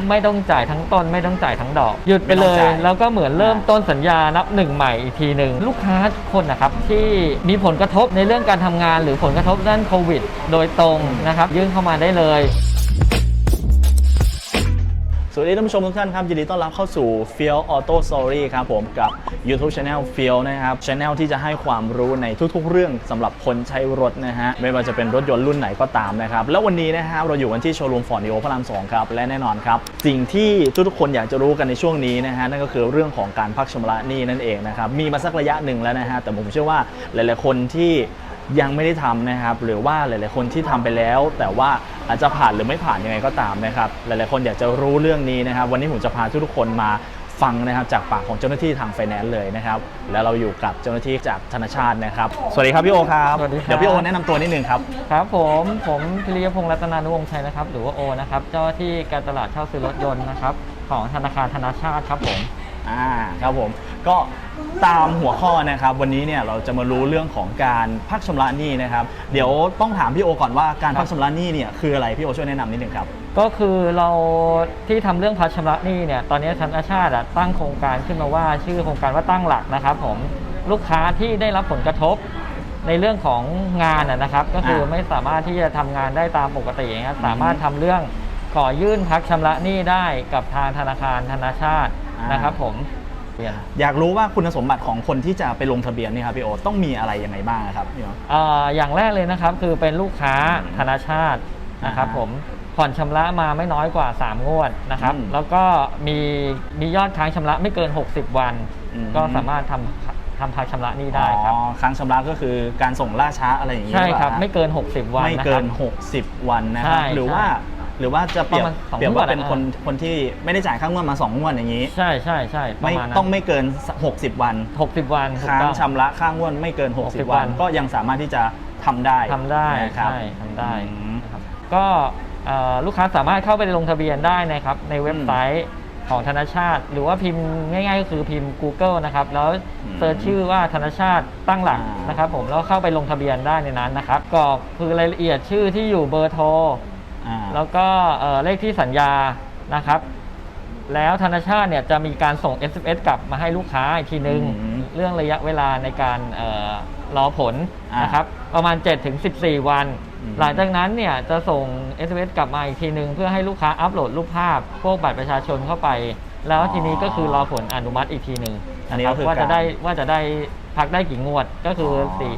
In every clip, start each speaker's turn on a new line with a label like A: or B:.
A: ไม่ต้องจ่ายทั้งต้นไม่ต้องจ่ายทั้งดอกหยุดไปเลยแล้วก็เหมือนเริ่มต้นสัญญานับหนึ่งใหม่อีกทีหนึ่งลูกค้าทุกคนนะครับที่มีผลกระทบในเรื่องการทำงานหรือผลกระทบด้านโควิดโดยตรงนะครับยื่นเข้ามาได้เลย
B: สวัสดีท่านผู้ชมทุกท่านครับยินดีต้อนรับเข้าสู่ Field Auto Story ครับผมกับ YouTube Channel Field นะครับ Channel ที่จะให้ความรู้ในทุกๆเรื่องสำหรับคนใช้รถนะฮะไม่ว่าจะเป็นรถยนต์รุ่นไหนก็ตามนะครับแล้ววันนี้นะครับเราอยู่กันที่โชว์รูม Ford Neo พระราม 2 ครับและแน่นอนครับสิ่งที่ทุกคนอยากจะรู้กันในช่วงนี้นะฮะนั่นก็คือเรื่องของการพักชำระหนี้นั่นเองนะครับมีมาสักระยะหนึ่งแล้วนะฮะแต่ผมเชื่อว่าหลายๆคนที่ยังไม่ได้ทำนะครับหรือว่าหลายๆคนที่ทำไปแล้วแต่ว่าอาจจะผ่านหรือไม่ผ่านยังไงก็ตามนะครับหลายๆคนอยากจะรู้เรื่องนี้นะครับวันนี้ผมจะพาทุกคนมาฟังนะครับจากปากของเจ้าหน้าที่ทางไฟแนนซ์เลยนะครับแล้วเราอยู่กับเจ้าหน้าที่จากธนาชาตินะครับสวัสดีครับพี่โอครับ
A: สวัสดีครับ
B: เดี๋ยวพี่โอแนะนำตัวนิดนึงครับ
A: ครับผมพิริยพงษ์รัตนานุวงศ์ชัยนะครับหรือว่าโอนะครับเจ้าหน้าที่การตลาดเช่าซื้อรถยนต์นะครับของธนาคารธนาชาติครับผม
B: ครับผมก็ตามหัวข้อนะครับวันนี้เนี่ยเราจะมารู้เรื่องของการพักชำระหนี้นะครับเดี๋ยวต้องถามพี่โอก่อนว่าการพักชำระหนี้เนี่ยคืออะไรพี่โอช่วยแนะนำนิดนึงครับ
A: ก็คือเราที่ทำเรื่องพักชำระหนี้เนี่ยตอนนี้ธนาชาติตั้งโครงการขึ้นมาว่าชื่อโครงการว่าตั้งหลักนะครับผมลูกค้าที่ได้รับผลกระทบในเรื่องของงานนะครับก็คือไม่สามารถที่จะทำงานได้ตามปกตินะครับสามารถทำเรื่องขอยื่นพักชำระหนี้ได้กับทางธนาคารธนาชาตินะครับผม
B: อยากรู้ว่าคุณสมบัติของคนที่จะไปลงทะเบียนนี่ครับพี่โอต้องมีอะไรยังไงบ้างครับพี่โอ
A: อย่างแรกเลยนะครับคือเป็นลูกค้าธนาชาตินะครับผมผ่อนชำระมาไม่น้อยกว่า3งวดนะครับแล้วก็มียอดค้างชำระไม่เกิน60วันก็สามารถทำพักชำระหนี้ได้ครับ
B: ค้างชำระก็คือการส่งล่าช้าอะไรอย่างนี้
A: ใช่ครับไม่เกิน60วัน
B: ไม่เกิน60วันนะครับหรือว่าจะเปรียบว่าเป็นคนที่ไม่ได้จ่ายค่างวดมา2งวดอย่างนี้
A: ใช่
B: ไม่ต้องไม่เกิน60วันค้างชำระค่างวดไม่เกิน60วันก็ยังสามารถที่จะทำได้
A: ครับทำได้ครับก็ลูกค้าสามารถเข้าไปลงทะเบียนได้นะครับในเว็บไซต์ของธนาชาติหรือว่าพิมพ์ง่ายๆก็คือพิมพ์ Google นะครับแล้วเซิร์ชชื่อว่าธนาชาติตั้งหลักนะครับผมแล้วเข้าไปลงทะเบียนได้ในนั้นนะครับก็คือรายละเอียดชื่อที่อยู่เบอร์โทรแล้วก็เลขที่สัญญานะครับแล้วธนาชาติเนี่ยจะมีการส่ง SMS กลับมาให้ลูกค้าอีกทีนึงเรื่องระยะเวลาในการรอผลนะครับประมาณ 7-14 วันหลังจากนั้นเนี่ยจะส่ง SMS กลับมาอีกทีนึงเพื่อให้ลูกค้าอัปโหลดรูปภาพพวกบัตรประชาชนเข้าไปแล้วทีนี้ก็คือรอผลอนุมัติอีกทีนึงนะครับว่าจะได้พักได้กี่งวดก็คือ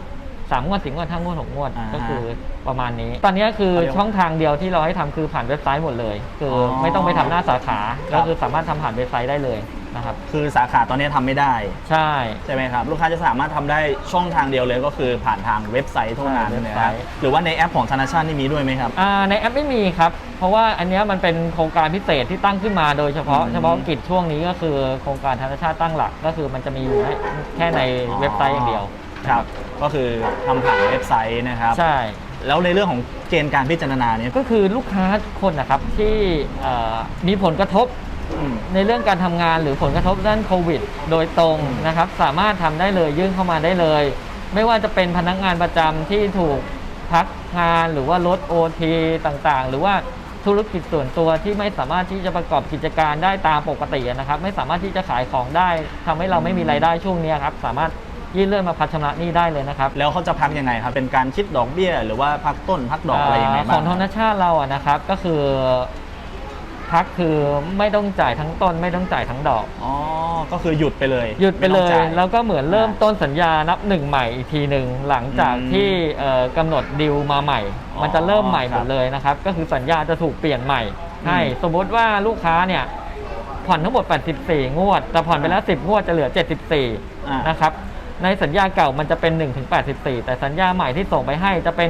A: 3 งวด 4 งวด 5 งวด 6 งวดก็คือประมาณนี้ตอนนี้คือช่องทางเดียวที่เราให้ทำคือผ่านเว็บไซต์หมดเลยคือไม่ต้องไปทำหน้าสาขาก็คือสามารถทำผ่านเว็บไซต์ได้เลยนะครับ
B: คือสาขาตอนนี้ทำไม่ได้
A: ใ
B: ช่ไหมครับลูกค้าจะสามารถทำได้ช่องทางเดียวเลยก็คือผ่านทางเว็บไซต์เท่านั้นนะครับหรือว่าในแอปของธนาชาตินี่มีด้วยไหมครับ
A: ในแอปไม่มีครับเพราะว่าอันนี้มันเป็นโครงการพิเศษที่ตั้งขึ้นมาโดยเฉพาะกิจช่วงนี้ก็คือโครงการธนาชาติตั้งหลักก็คือมันจะมีอยู่แค่ในเว็บไซต์อย่างเดียว
B: ครับก็คือทำผ่านเว็บไซต์นะครับ
A: ใช่
B: แล้วในเรื่องของเกณฑ์การพิจารณาเนี่ย
A: ก็คือลูกค้าทุกคนนะครับที่มีผลกระทบในเรื่องการทำงานหรือผลกระทบด้านโควิดโดยตรงนะครับสามารถทำได้เลยยื่นเข้ามาได้เลยไม่ว่าจะเป็นพนักงานประจำที่ถูกพักงานหรือว่าลด OT ต่างๆหรือว่าธุรกิจส่วนตัวที่ไม่สามารถที่จะประกอบกิจการได้ตามปกตินะครับไม่สามารถที่จะขายของได้ทำให้เราไม่มีรายได้ช่วงนี้ครับสามารถยื่นเรื่องมาพักชำระหนี้ได้เลยนะครับ
B: แล้วเขาจะพักยังไงครับเป็นการคิดดอกเบี้ยหรือว่าพักต้นพักดอกอะไรยังไงบ้าง
A: ของธนาชาติเรานะครับก็คือพักคือไม่ต้องจ่ายทั้งต้นไม่ต้องจ่ายทั้งดอก
B: ก็คือหยุดไปเลย
A: แล้วก็เหมือนเริ่มต้นสัญญานับหนึ่งใหม่อีกทีหนึ่งหลังจากที่กำหนดดีลมาใหม่มันจะเริ่มใหม่หมดเลยนะครับก็คือสัญญาจะถูกเปลี่ยนใหม่ให้สมมติว่าลูกค้าเนี่ยผ่อนทั้งหมด84งวดแต่ผ่อนไปแล้ว10งวดจะเหลือ74นะครับในสัญญาเก่ามันจะเป็น 1-84 แต่สัญญาใหม่ที่ส่งไปให้จะเป็น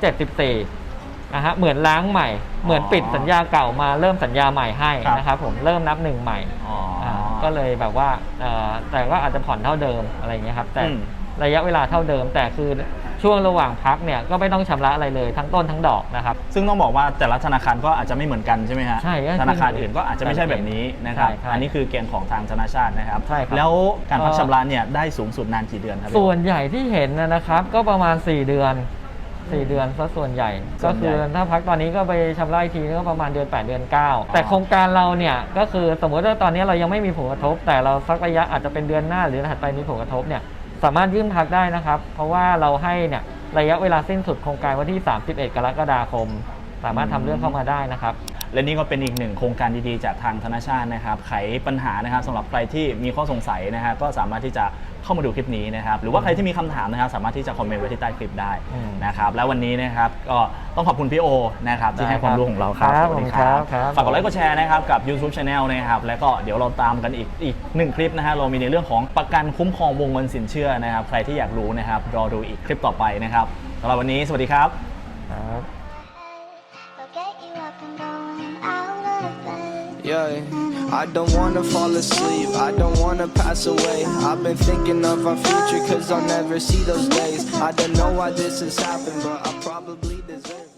A: 1-74นะฮะเหมือนล้างใหม่เหมือนปิดสัญญาเก่ามาเริ่มสัญญาใหม่ให้นะครับผมเริ่มนับหนึ่งใหม่ก็เลยแบบว่าแต่ก็อาจจะผ่อนเท่าเดิมอะไรอย่างเงี้ยครับแต่ระยะเวลาเท่าเดิมแต่คือช่วงระหว่างพักเนี่ยก็ไม่ต้องชำระอะไรเลยทั้งต้นทั้งดอกนะครับ
B: ซึ่งต้องบอกว่าแต่ละธนาคารก็อาจจะไม่เหมือนกันใช่ไหมฮะ
A: ใช่
B: ธนาคารอื่นก็อาจจะไม่ใช่แบบนี้นะครับอันนี้คือเกณฑ์ของทางธนาชาตินะครับแล้วการพักชำระเนี่ยได้สูงสุดนานกี่เดือนครับ
A: ส่วนใหญ่ที่เห็นนะครับก็ประมาณ4 เดือน 4 เดือนซะส่วนใหญ่
B: ส่
A: ก็
B: วนใหญ่
A: คือถ้าพักตอนนี้ก็ไปชำระอีกทีก็ประมาณเดือน 8 เดือน 9 แต่โครงการเราเนี่ยก็คือสมมติว่าตอนนี้เรายังไม่มีผลกระทบ แต่เราสักระยะอาจจะเป็นเดือนหน้าหรือถัดไปมีผลกระทบเนี่ยสามารถยื่นพักได้นะครับ เพราะว่าเราให้เนี่ยระยะเวลาสิ้นสุดโครงการวันที่ 31 กรกฎาคม สามารถทำเรื่องเข้ามาได้นะครับ
B: และนี่ก็เป็นอีกหนึ่งโครงการดีๆจากทางธนาชาตินะครับไขปัญหานะครับสำหรับใครที่มีข้อสงสัยนะฮะก็สามารถที่จะเข้ามาดูคลิปนี้นะครับหรือว่าใครที่มีคำถามนะครับสามารถที่จะคอมเมนต์ไว้ที่ใต้คลิปได้นะครับแล้ววันนี้นะครับก็ต้องขอบคุณพี่โอนะครับที่ให้ความรู้ของเราครับ
A: ครับ
B: สวัสดี
A: ครับ
B: ฝากกดไลค์กดแชร์นะครับกับ YouTube Channel นะครับแล้วก็เดี๋ยวเราตามกันอีกหนึ่งคลิปนะฮะเรามีในเรื่องของประกันคุ้มครองวงเงินสินเชื่อนะครับใครที่อยากรู้นะครับรอดูอีกคลิปต่อไปนะครับสำหรับวันนี้สวัสดีครับ
A: ครับ
C: They'll get you up and going out of bed.
D: Yeah, I don't wanna fall asleep, I don't wanna pass away. I've been thinking of our future, cause I'll never see those days. I don't know why this has happened, but I probably deserve it.